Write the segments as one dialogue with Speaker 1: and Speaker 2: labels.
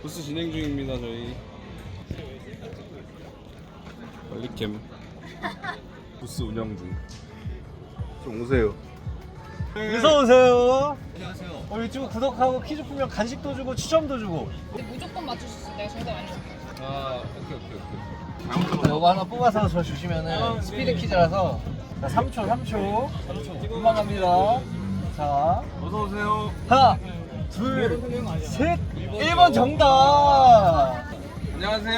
Speaker 1: 부스 진행 중입니다. 저희 빨리캠 부스 운영 중. 좀 오세요.
Speaker 2: 어서 오세요. 안녕하세요. 유튜브 구독하고 퀴즈 풀면 간식도 주고 추첨도 주고.
Speaker 3: 무조건 맞출 수 있어. 내가 정답 알려줄게.
Speaker 1: 아 오케이.
Speaker 2: 이거 하나 뽑아서 저 주시면은 스피드 퀴즈라서. 자, 3초. 금방 갑니다. 자,
Speaker 1: 어서 오세요.
Speaker 2: 하나, 둘, 셋. 1번 정답.
Speaker 1: 안녕하세요.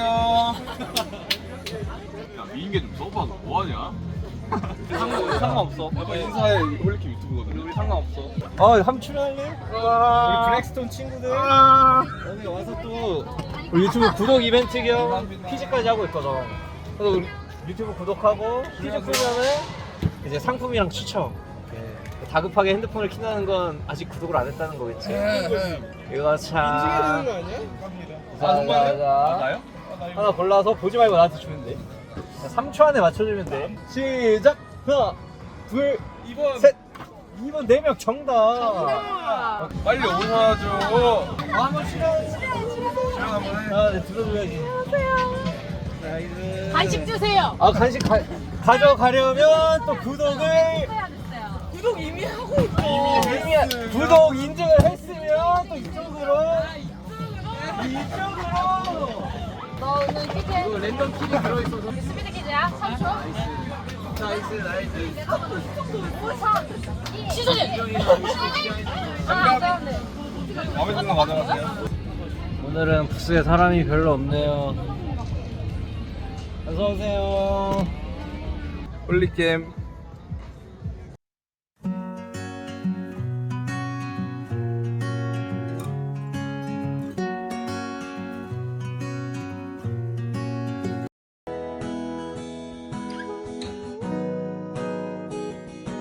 Speaker 1: 야 미인계 좀 써봐. 너 뭐하냐?
Speaker 2: 상관없어.
Speaker 1: 빨리 인사해. 홀리캠 유튜브거든. 우리 상관없어.
Speaker 2: 한번 출연할래? 우리 블랙스톤 친구들 여기 와서 또 우리 유튜브 구독 이벤트 겸 퀴즈까지 하고 있거든. 그래서 우리 유튜브 구독하고 퀴즈 풀면은 이제 상품이랑 추첨. 다급하게 핸드폰을 킨다는 건 아직 구독을 안 했다는 거겠지? 이거 참.
Speaker 1: 나요?
Speaker 2: 하나 골라서 보지 말고 나한테 주면 돼. 3초 안에 맞춰주면 돼. 시작! 하나, 둘,
Speaker 1: 2번.
Speaker 2: 셋! 2번 4명 정답!
Speaker 1: 빨리 오셔야죠.
Speaker 2: 한번 출연
Speaker 1: 한번 해.
Speaker 2: 네, 들어줘야지. 나이스.
Speaker 3: 간식 주세요.
Speaker 2: 간식 가져가려면 또 구독을
Speaker 3: 구독 이미 하고 있어.
Speaker 2: 이미 구독 인증을 했으면 또 이쪽으로
Speaker 3: 너 오늘 퀴즈
Speaker 2: 이거 랜덤 퀴즈 들어있어서
Speaker 3: 스피드 퀴즈야. 3초.
Speaker 2: 나이스.
Speaker 3: 시소진.
Speaker 1: 마음에 드는 거 가져가세요.
Speaker 2: 오늘은 부스에 사람이 별로 없네요. 어서 오세요.
Speaker 1: 홀리캠